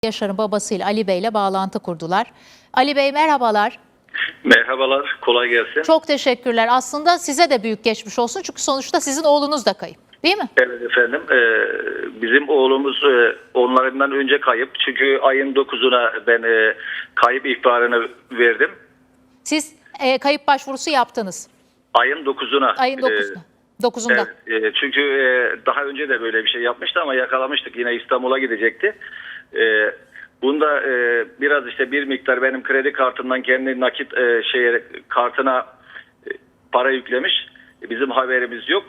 Yaşar'ın babasıyla Ali Bey ile bağlantı kurdular. Ali Bey merhabalar. Merhabalar, kolay gelsin. Çok teşekkürler. Aslında size de büyük geçmiş olsun çünkü sonuçta sizin oğlunuz da kayıp, değil mi? Evet efendim, bizim oğlumuz onlarından önce kayıp. Çünkü ayın 9'una ben kayıp ihbarını verdim. Siz kayıp başvurusu yaptınız. Ayın 9'una. Ayın 9'unda. 9'unda. Evet, çünkü daha önce de böyle bir şey yapmıştı ama yakalamıştık. Yine İstanbul'a gidecekti. Bunda biraz işte bir miktar benim kredi kartımdan kendi nakit kartına para yüklemiş. Bizim haberimiz yok.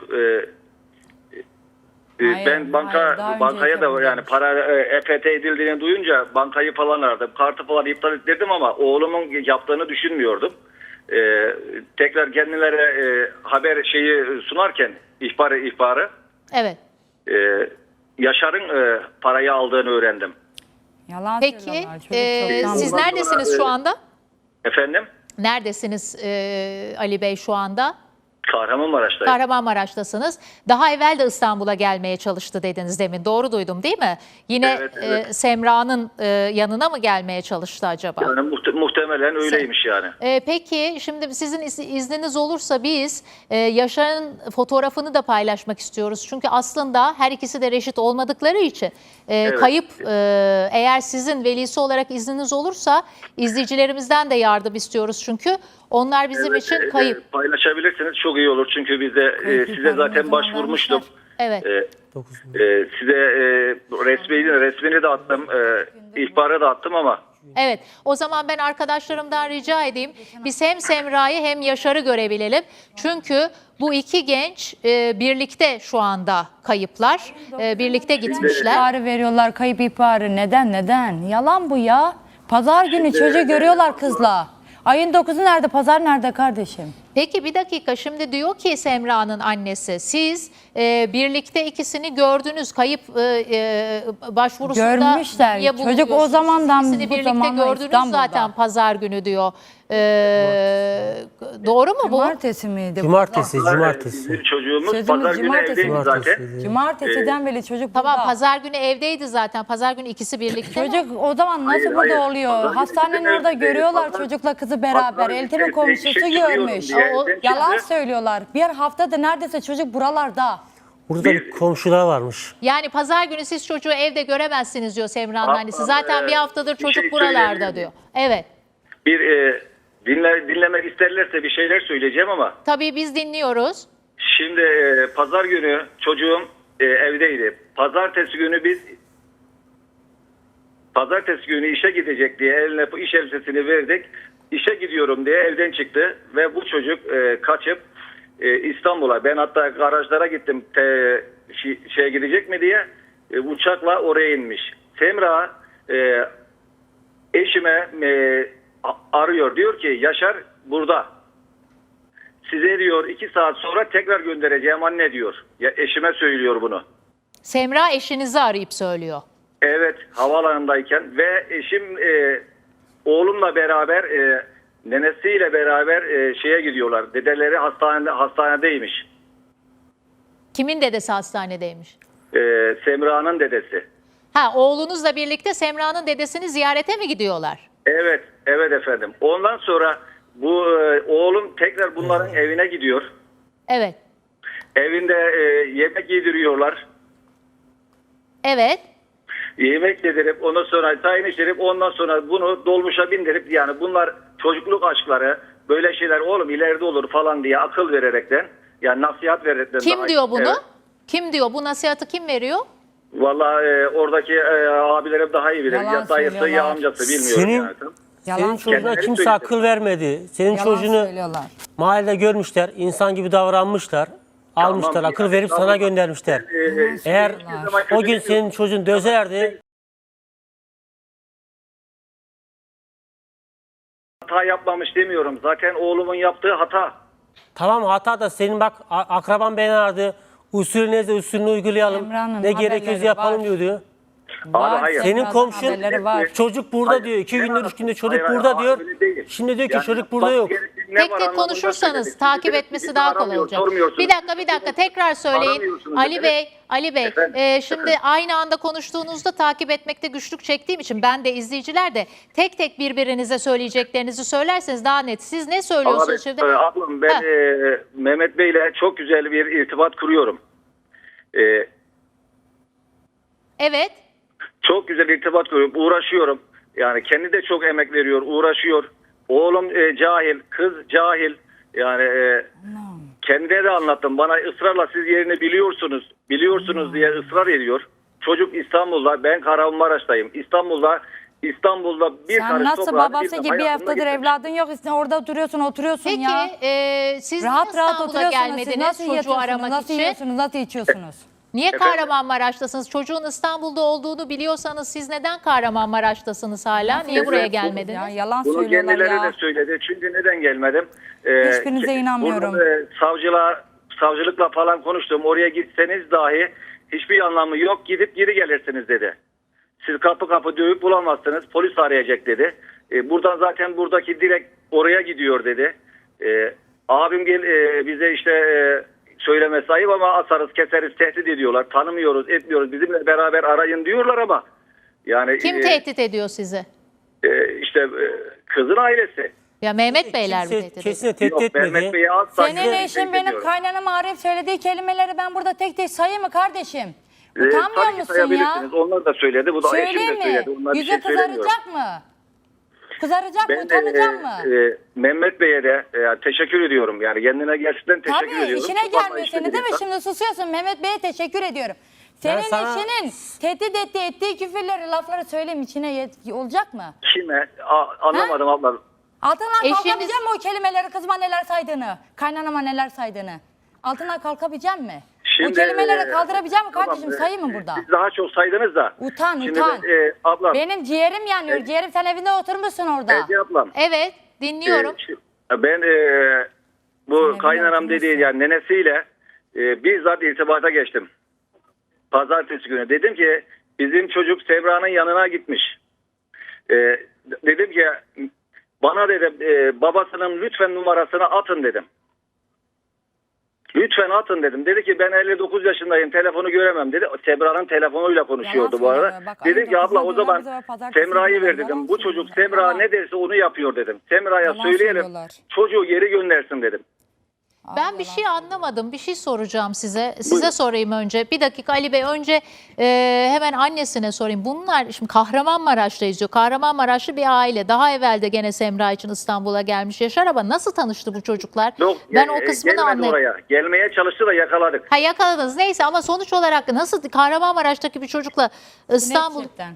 Ben bankaya da yani para EFT edildiğini duyunca bankayı falan aradım. Kartı falan iptal ettirdim ama oğlumun yaptığını düşünmüyordum. Tekrar kendilerine haber sunarken ihbarı Evet. Yaşar'ın parayı aldığını öğrendim. Yalan Peki siz neredesiniz şu anda? Efendim? Neredesiniz Ali Bey şu anda? Kahramanmaraş'tayım. Kahramanmaraş'tasınız. Daha evvel de İstanbul'a gelmeye çalıştı dediniz demin. Doğru duydum değil mi? Yine Evet. Semra'nın yanına mı gelmeye çalıştı acaba? Yani muhtemelen öyleymiş yani. Peki şimdi sizin izniniz olursa biz Yaşar'ın fotoğrafını da paylaşmak istiyoruz. Çünkü aslında her ikisi de reşit olmadıkları için kayıp, eğer sizin velisi olarak izniniz olursa izleyicilerimizden de yardım istiyoruz. Çünkü onlar bizim için kayıp. Paylaşabilirsiniz, çok iyi olur. Çünkü biz de size zaten başvurmuştum. Evet. Size resmini de attım, ihbarı da attım ama. Evet, o zaman ben arkadaşlarımdan rica edeyim. Biz hem Semra'yı hem Yaşar'ı görebilelim. Çünkü bu iki genç birlikte şu anda kayıplar. Birlikte gitmişler. İhbarı veriyorlar, kayıp ihbarı. Neden? Yalan bu ya. Pazar günü çocuğu görüyorlar kızla. Ayın 9'u nerede? Pazar nerede kardeşim? Peki bir dakika, şimdi diyor ki Semra'nın annesi, siz birlikte ikisini gördünüz, kayıp başvurusunda. Görmüşler. niye Çocuk bulunuyorsunuz? o zamandan İkisini bu birlikte zamana gördünüz İstanbul'da. zaten pazar günü diyor. Doğru mu bu? Cumartesi miydi? Cumartesi. Bizim çocuğumuz Çocuğumuz pazar günü cumartesi. evdeydi zaten. Cumartesiden beri çocuk Tamam, burada. pazar günü evdeydi zaten. Pazar günü ikisi birlikte. Çocuk o zaman nasıl Hayır, burada hayır. oluyor? Pazar günü Hastanenin bizim orada evdeydi. görüyorlar Pazar- çocukla kızı beraber. Pazar Eltimin günü komşusu çıkıyorum görmüş. diye evden Yalan çıktı. söylüyorlar. Bir haftada neredeyse çocuk buralarda. Burada bir komşular varmış. Yani pazar günü siz çocuğu evde göremezsiniz diyor Semra'nın Abla, annesi. Zaten bir haftadır bir çocuk şey buralarda söyleyebilir diyor. miyim? Evet. Dinlemek isterlerse bir şeyler söyleyeceğim ama. Tabii biz dinliyoruz. Şimdi pazar günü çocuğum evdeydi. Pazartesi günü işe gidecek diye eline iş elbisesini verdik. İşe gidiyorum diye evden çıktı ve bu çocuk kaçıp İstanbul'a, ben hatta garajlara gittim şeye gidecek mi diye, uçakla oraya inmiş. Semra eşime arıyor, diyor ki Yaşar burada. Size diyor 2 saat sonra tekrar göndereceğim anne diyor. Ya eşime söylüyor bunu. Semra eşinizi arayıp söylüyor. Evet, havaalanındayken ve eşim oğlumla beraber nenesiyle beraber şeye gidiyorlar. Dedeleri hastanedeymiş. Kimin dedesi hastanedeymiş? Semra'nın dedesi. Ha, oğlunuzla birlikte Semra'nın dedesini ziyarete mi gidiyorlar? Evet efendim. Ondan sonra bu oğlum tekrar bunların evine gidiyor. Evet. Evinde yemek yediriyorlar. Evet. Yemek yedirip ondan sonra tayin içirip ondan sonra bunu dolmuşa bindirip, yani bunlar çocukluk aşkları, böyle şeyler oğlum ileride olur falan diye akıl vererekten, yani nasihat vererekten. Kim diyor bunu? Evet. Kim diyor? Bu nasihatı kim veriyor? Vallahi oradaki abilerim daha iyi bilir. Yalan Ya dayısı ya söylüyorlar. amcası bilmiyorum Senin- yani. Yalan Senin çocuğuna Kendileri kimse söyledi. akıl vermedi. Senin Yalan çocuğunu söylüyorlar. mahallede görmüşler, insan gibi davranmışlar. Almışlar, akıl verip sana göndermişler. Eğer o gün senin çocuğun dözerdi, Hata yapmamış demiyorum. Zaten oğlumun yaptığı hata. tamam hata da senin bak akraban beni aradı. Usulünü uygulayalım. Emrah'ın Ne gerekiyorsa haberleri yapalım var. diyordu. Var, hayır. Senin Semra'nın komşun haberleri var. çocuk burada Hayır, diyor. 2 gündür 3 gündür çocuk hayır, burada diyor. öyle değil. Şimdi diyor ki Yani çocuk burada yapması yok. gerekeni ne tek var tek anlamında konuşursanız söyledik. takip Bizi etmesi daha kolay aramıyor, olacak. sormuyorsunuz. Bir dakika tekrar söyleyin. Aramıyorsunuz. Ali Evet. Bey, Ali Bey, Efendim? şimdi aynı anda konuştuğunuzda takip etmekte güçlük çektiğim için ben de izleyiciler de tek tek birbirinize söyleyeceklerinizi söylerseniz daha net. Siz ne söylüyorsunuz şimdi? Ablam ben Ha. Mehmet Bey'le çok güzel bir irtibat kuruyorum. Evet. Çok güzel irtibat kuruyorum. Uğraşıyorum. Yani kendi de çok emek veriyor, uğraşıyor. Oğlum cahil, kız cahil. Yani kendine de anlattım. Bana ısrarla siz yerini biliyorsunuz diye ısrar ediyor. Çocuk İstanbul'da, ben Kahramanmaraş'tayım. İstanbul'da bir Sen karış nasıl toprağa babası gibi bir hayatımda haftadır gitmemiş. evladın yok, orada duruyorsun, oturuyorsun Peki ya. siz Rahat niye rahat İstanbul'a oturuyorsunuz. Siz gelmediniz nasıl çocuğu yatıyorsunuz, aramak nasıl için? yiyorsunuz, nasıl içiyorsunuz? Niye Efendim? Kahramanmaraş'tasınız? Çocuğun İstanbul'da olduğunu biliyorsanız siz neden Kahramanmaraş'tasınız hala? Niye buraya gelmediniz? Ya yalan Bunu söylüyorlar kendileri ya. de söyledi. Çünkü neden gelmedim? Hiçbirinize inanmıyorum. Burada, savcılıkla falan konuştum. Oraya gitseniz dahi hiçbir anlamı yok. Gidip geri gelirsiniz dedi. Siz kapı kapı dövüp bulamazsınız. Polis arayacak dedi. Buradan zaten buradaki direkt oraya gidiyor dedi. Abim bize işte söylemesi ayıp ama asarız keseriz tehdit ediyorlar. Tanımıyoruz etmiyoruz. Bizimle beraber arayın diyorlar ama. Yani Kim tehdit ediyor sizi? işte kızın ailesi. Ya Mehmet Beyler mi Kimse tehdit ediyor? kesinlikle tehdit Mehmet etmedi. Bey'i asla Senin tehdit eşin benim etmiyorum. kaynanama arayıp söylediği kelimeleri ben burada tek tek sayayım mı kardeşim? Utanmıyor Tabii ki musun ya? sayabilirsiniz. Onlar da söyledi. Bu da eşim Söyleyeyim de mi? söyledi. Onlar bir Yüzü şey söylemiyor. kızaracak mı? Kızaracak mı? Ben Utanacak mı? Mehmet Bey'e de teşekkür ediyorum. Yani kendine gerçekten teşekkür Tabii ediyorum. işine Çok gelmiyor anlayışlı seni bir değil mi? insan. Şimdi susuyorsun. Mehmet Bey'e teşekkür ediyorum. Senin sana- eşinin tehdit ettiği küfürleri, lafları söyleyeyim içine olacak mı? Kime? Anlamadım abla. Altından Eşiniz- kalkabilecek mi o kelimeleri kızıma neler saydığını, kaynanama neler saydığını? Altından kalkabilecek mi? O kelimeleri kaldırabilecek mi kardeşim? Tamam, Sayayım mı burada? Siz daha çok saydınız da. Utan, Şimdi utan. ablam. Benim ciğerim yanıyor. Ciğerim sen evinde oturmuşsun orada. Ece ablam. Evet, dinliyorum. Ben bu Sen kaynanam evine dediği yani nenesiyle bizzat irtibata geçtim. Pazartesi günü. Dedim ki bizim çocuk Sebra'nın yanına gitmiş. Dedim ki bana dedim babasının lütfen numarasını atın dedim. Lütfen atın dedim. Dedi ki ben 59 yaşındayım telefonu göremem dedi. Sebra'nın telefonuyla konuşuyordu bu arada. söylüyor. Bak, Dedim ki ayın abla o dokuzunda zaman bize pazartesi Semra'yı günü ver yalan dedim. Bu çocuk söylüyorlar. Semra Yalan. ne derse onu yapıyor dedim. Semra'ya Yalan söyleyelim söylüyorlar. çocuğu geri göndersin dedim. Ben bir şey anlamadım. Bir şey soracağım size. Size sorayım önce. Bir dakika Ali Bey. Önce hemen annesine sorayım. Bunlar şimdi Kahramanmaraş'tayız diyor. Kahramanmaraşlı bir aile. Daha evvel de gene Semra için İstanbul'a gelmiş Yaşar ama nasıl tanıştı bu çocuklar? Yok, Ben o kısmını gelmedi anlayamadım. oraya. Gelmeye çalıştı da yakaladık. Ha yakaladınız neyse ama sonuç olarak nasıl Kahramanmaraş'taki bir çocukla İstanbul Gerçekten.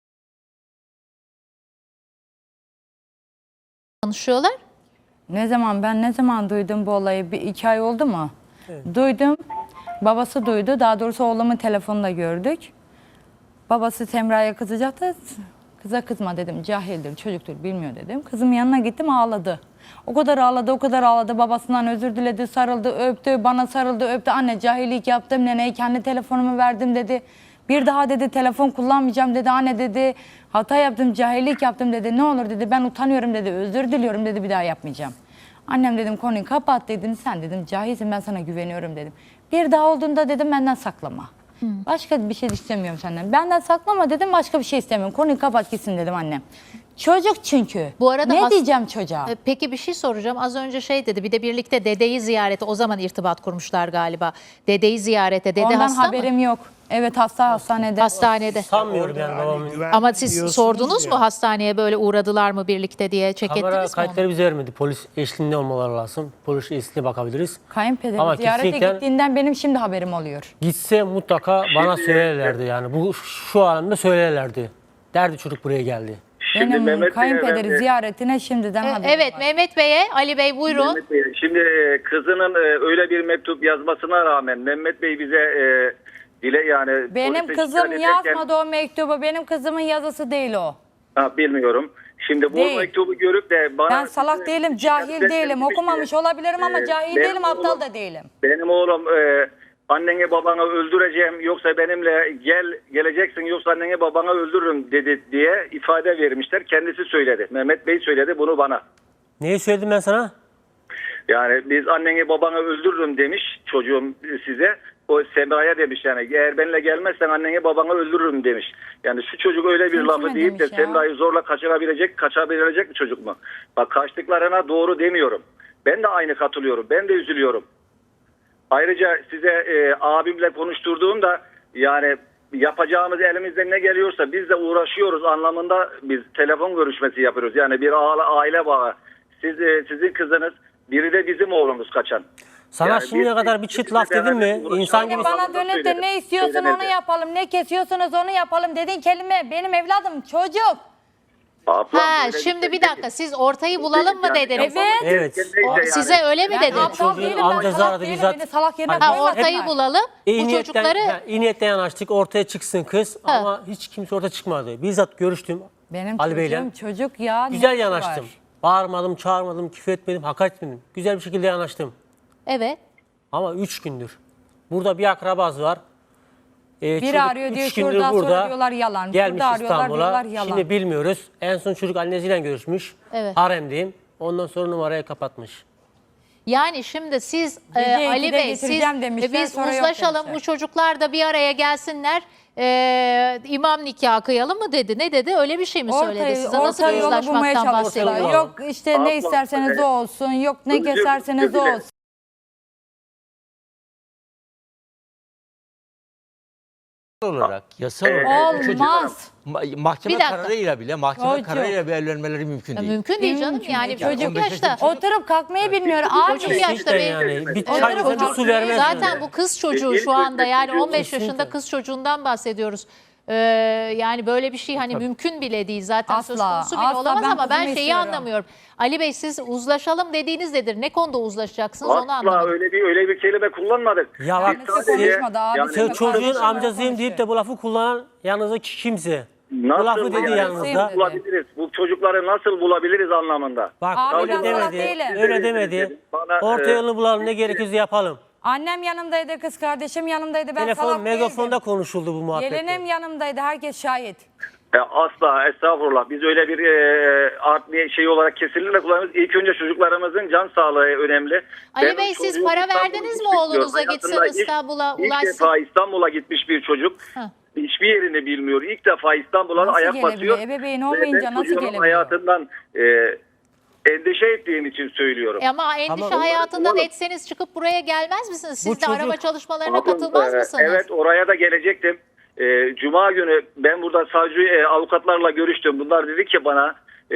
tanışıyorlar? Ne zaman duydum bu olayı? 2 ay oldu mu? Duydum. Babası duydu. Daha doğrusu oğlumun telefonunda gördük. Babası Semra'ya kızacaktı. Kıza kızma dedim. Cahildir, çocuktur, bilmiyor dedim. Kızımın yanına gittim ağladı. O kadar ağladı, o kadar ağladı. Babasından özür diledi, sarıldı, öptü. Bana sarıldı, öptü. Anne cahillik yaptım. Neneye kendi telefonumu verdim dedi. Bir daha dedi telefon kullanmayacağım dedi. Anne dedi hata yaptım, cahillik yaptım dedi. Ne olur dedi ben utanıyorum dedi. Özür diliyorum dedi bir daha yapmayacağım. Annem dedim konuyu kapat dedim. Sen dedim cahilsin ben sana güveniyorum dedim. Bir daha olduğunda dedim benden saklama. Başka bir şey istemiyorum senden. Benden saklama dedim başka bir şey istemiyorum. Konuyu kapat gitsin dedim annem. Çocuk çünkü. Bu arada ne diyeceğim çocuğa? Peki bir şey soracağım. Az önce şey dedi. Bir de birlikte dedeyi ziyarete o zaman irtibat kurmuşlar galiba. Dedeyi ziyarete. Dede Ondan hasta mı? haberim yok. Evet hastanede. Hastanede. Sanmıyorum yani babamın. Ama siz sordunuz mu hastaneye böyle uğradılar mı birlikte diye çek Kamera ettiniz mi kayıtları onu? bize vermedi. Polis eşliğinde olmaları lazım. Polis eşliğinde bakabiliriz. Kayınpederim Ama ziyarete kesinlikle- gittiğinden benim şimdi haberim oluyor. Gitse mutlaka bana söylerlerdi yani. Bu şu anında söylerlerdi. Derdi çocuk buraya geldi. Şimdi Benim Mehmet Bey'e kayınpederi ben- ziyaretine şimdiden haberim Evet var. Mehmet Bey'e Ali Bey buyurun. Mehmet Bey, şimdi kızının öyle bir mektup yazmasına rağmen Mehmet Bey bize dile yani Benim polise kızım şikayet ederken- yazmadı o mektubu. Benim kızımın yazısı değil o. Bilmiyorum. Şimdi bu Değil. mektubu görüp de bana... Ben salak değilim, cahil değilim. Okumamış olabilirim ama cahil benim değilim, aptal oğlum- da değilim. Benim oğlum anneni babanı öldüreceğim yoksa benimle geleceksin yoksa anneni babanı öldürürüm dedi diye ifade vermişler. Kendisi söyledi. Mehmet Bey söyledi bunu bana. Neyi söyledim ben sana? Yani biz anneni babanı öldürürüm demiş çocuğum size. O Semra'ya demiş yani eğer benimle gelmezsen anneni babanı öldürürüm demiş. Yani şu çocuk öyle bir Kim lafı kime deyip de demiş ya? Semra'yı zorla kaçırabilecek bir çocuk mu? Bak kaçtıklarına doğru demiyorum. Ben de aynı katılıyorum. Ben de üzülüyorum. Ayrıca size abimle konuşturduğumda yani yapacağımız elimizden ne geliyorsa biz de uğraşıyoruz anlamında biz telefon görüşmesi yapıyoruz. Yani bir aile bağı. Sizin kızınız, biri de bizim oğlumuz kaçan. Sana Yani şimdiye biz- kadar bir çift laf dedim mi? İnsan gibi Bana dönüp de ne istiyorsun onu yapalım, ne kesiyorsunuz onu yapalım dediğin kelime benim evladım çocuk. Ablam, Ha, böyle şimdi şey bir değil. dakika, siz ortayı bulalım mı Yani dediniz? Evet. Evet. neyse Size öyle mi Ben dedi? aptal Çocuğun değilim, ben amcası salak aradı değilim, bizzat. beni salak yerine Hani- Ha, koymasınlar. ortayı bulalım. Bu çocukları iyi niyetten yanaştık, ortaya çıksın kız ama hiç kimse ortaya çıkmadı. Bizzat görüştüm Benim Ali Bey'le. çocuğum çocuk ya. Güzel nesi yanaştım. var? Bağırmadım, çağırmadım, küfür etmedim, hakaret etmedim. Güzel bir şekilde yanaştım. evet. Ama 3 gündür. Burada bir akrabası var. Çocuk arıyor diyor, 3 gündür şuradan sonra burada. diyorlar yalan. Gelmiş Şurada arıyorlar, İstanbul'a. diyorlar yalan. Şimdi bilmiyoruz. En son çocuk annesiyle görüşmüş. Evet. Haremdeyim. Ondan sonra numarayı kapatmış. Yani şimdi siz Gece Ali 2'de Bey siz getireceğim demişler, biz sonra yok uzlaşalım, demişler. bu çocuklar da bir araya gelsinler, imam nikahı kıyalım mı dedi, ne dedi, öyle bir şey mi söyledi size, nasıl orta bir yolu bulmaya uzlaşmaktan çalışıyorlar. bahsediyor? Yok işte Abla, ne isterseniz o olsun, yok ne özür keserseniz o dilerim. olsun. olarak yasal olarak çocuk Olmaz. mahkeme Bir dakika. kararıyla bile mahkeme Çocuk. kararıyla bir evlenmeleri mümkün Ya değil. mümkün değil canım, Mümkün yani değil. çocuk 15 yaşta. yaşında Oturup kalkmayı bilmiyor abi. Çocuk yaşta İşte bir- yani. Bir Evet, çay evet, çocuk su vermez. Zaten bu kız çocuğu İlk şu anda, önce yani çocuğu- 15 yaşında Kesinlikle. kız çocuğundan bahsediyoruz. Yani böyle bir şey hani mümkün bile değil zaten, söz Asla, konusu bile asla. olamaz Ben ama ben kızımı şeyi istiyorum. anlamıyorum. Ali Bey, siz uzlaşalım dediğiniz nedir? Ne konuda uzlaşacaksınız onu Asla anlamadım. öyle bir kelime kullanmadık. Ya bak, Biz Kendisi sadece- konuşmadı abi. yani Sen Bak, çocuğun kardeşim amcasıyım deyip de konuşuyor. bu lafı kullanan yanınızdaki kimse. Bu nasıl lafı dedi yani yanınızda. dedi. bulabiliriz? Bu çocukları nasıl bulabiliriz anlamında. Bak Abi öyle ben salak demedi. değilim. Öyle demedi. Bana, Orta yolunu bulalım, ne gerekiyorsa yapalım. Annem yanımdaydı, kız kardeşim yanımdaydı. Ben Telefon, salak megafonda değildim. konuşuldu bu muhabbette. Gelinim yanımdaydı, herkes şahit. Asla, estağfurullah. Biz öyle bir art şey olarak kesinlikle kullanıyoruz. İlk önce çocuklarımızın can sağlığı önemli. Ali Ben Bey, o siz çocuğun para İstanbul'a verdiniz mi gitmek oğlunuza, istiyorum. gitsin Hayatında İstanbul'a İlk ulaşsın? defa İstanbul'a gitmiş bir çocuk. Ha. Hiçbir yerini bilmiyor. İlk defa İstanbul'a Nasıl ayak gelebiliyor? basıyor. Ebeveyn Ve olmayınca ben nasıl çocuğumun gelebiliyor? hayatından endişe ettiğim için söylüyorum. Ama endişe Ama- hayatından Oğlum- etseniz çıkıp buraya gelmez misiniz? Siz Bu de araba çocuk- çalışmalarına Ablam, katılmaz mısınız? Evet, oraya da gelecektim. Cuma günü ben burada savcı avukatlarla görüştüm. Bunlar dedi ki bana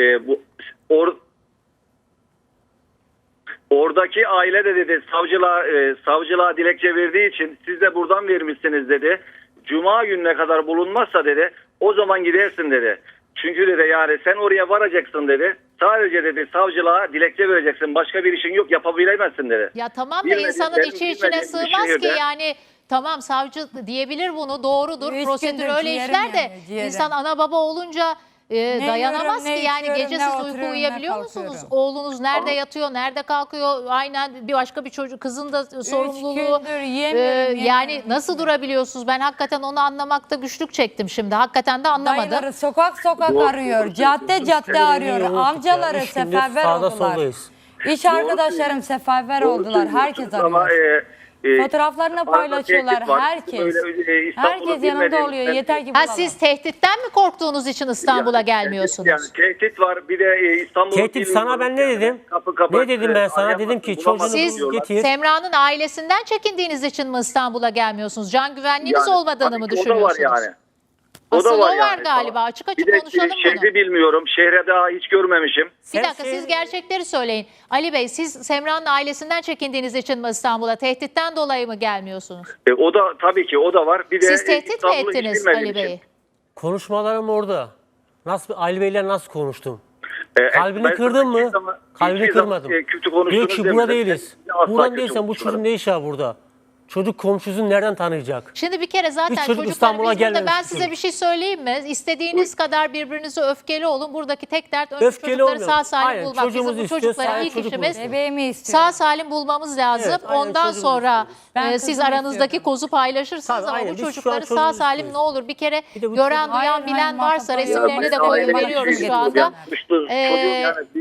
oradaki aile de dedi savcılığa dilekçe verdiği için siz de buradan vermişsiniz dedi. Cuma gününe kadar bulunmazsa dedi o zaman gidersin dedi. Çünkü dedi yani sen oraya varacaksın dedi. Sadece dedi savcılığa dilekçe vereceksin. Başka bir işin yok, yapabilemezsin dedi. Ya tamam da Bilmediğim, insanın benim içi içine bilmediğim bir sığmaz ki, şehirde- yani tamam savcı diyebilir bunu, doğrudur, Üç prosedür gündür öyle ciğerim işler de yanıyor, ciğerim. insan ana baba olunca dayanamaz yiyorum, ki, ne yani içiyorum, gece ne siz uyku oturuyorum, uyuyabiliyor ne musunuz? kalkıyorum. Oğlunuz nerede yatıyor, nerede kalkıyor, aynen bir başka bir çocuk, kızın da sorumluluğu. gündür yiyemiyorum, Yani yiyemiyorum. nasıl durabiliyorsunuz? Ben hakikaten onu anlamakta güçlük çektim şimdi. Hakikaten de anlamadım. Dayıları sokak sokak arıyor, cadde cadde arıyor. Yoğun Amcaları tutuyor. 3 gündür seferber sağda oldular. soldayız. İş arkadaşlarım seferber oldular, herkes arıyor. Fotoğraflarını paylaşıyorlar, herkes. Herkes yanında oluyor, yeter ki Ha, bulalım. siz tehditten mi korktuğunuz için İstanbul'a gelmiyorsunuz? Yani tehdit var. Bir de İstanbul'u Tehdit sana ben ne dedim? Ne dedim ben sana? Dedim ki çocuğunu Siz bul, getir. Semra'nın ailesinden çekindiğiniz için mi İstanbul'a gelmiyorsunuz? Can güvenliğiniz olmadığını mı O da düşünüyorsunuz? var yani. Asıl o var galiba. Açık açık bir de konuşalım şehri bunu. bilmiyorum. Şehre daha hiç görmemişim. Bir Sen dakika, siz gerçekleri söyleyin. Ali Bey, siz Semra'nın ailesinden çekindiğiniz için mi İstanbul'a? Tehditten dolayı mı gelmiyorsunuz? O da tabii ki o da var. Bir de Siz tehdit mi İstanbul'u hiç ettiniz bilmediğim Ali için. Bey'i? Konuşmalarım orada. Nasıl Ali Bey'le nasıl konuştum? Ben Kalbini kırdın mı? hiçbir zaman- Kalbini hiçbir zaman, kırmadım. kötü konuştunuz Diyor ki burada demedim. değiliz. Asla Buradan kötü değilsen bu konuşmadım. çocuğun ne işi var burada? Çocuk komşusunu nereden tanıyacak? Şimdi bir kere zaten Hiç çocuk çocuklar, İstanbul'a biz burada, gelmemiş ben bir size çocuk. bir şey söyleyeyim mi? İstediğiniz kadar birbirinize öfkeli olun. Buradaki tek dert önce Öfkeli çocukları olmuyor. sağ salim Aynen, bulmak. çocuğumuzu Bizim bu istiyor, çocukları sahip ilk çocuğumuzu işimiz istiyor. Bebeğimi istiyorum. sağ salim bulmamız lazım. Evet, aynen, Ondan çocuğumuzu sonra Ben siz kızımı aranızdaki istiyorum. kozu paylaşırsınız Tabii, ama aynen, bu biz şu an çocukları sağ çocuğumuzu salim istiyoruz. ne olur bir kere Bir de bu gören, çocuk- duyan, Hayır, bilen hayır, varsa muhatap resimlerini de oluyor. koyup Hayır, veriyoruz hayır, şu anda. Çocuğun yani bir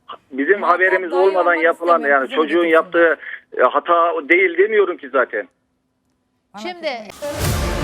bizim Muhatap haberimiz dahi olmadan olmak yapılan istemiyorum yani kızım çocuğun getirsinler. yaptığı hata değil demiyorum ki zaten. Şimdi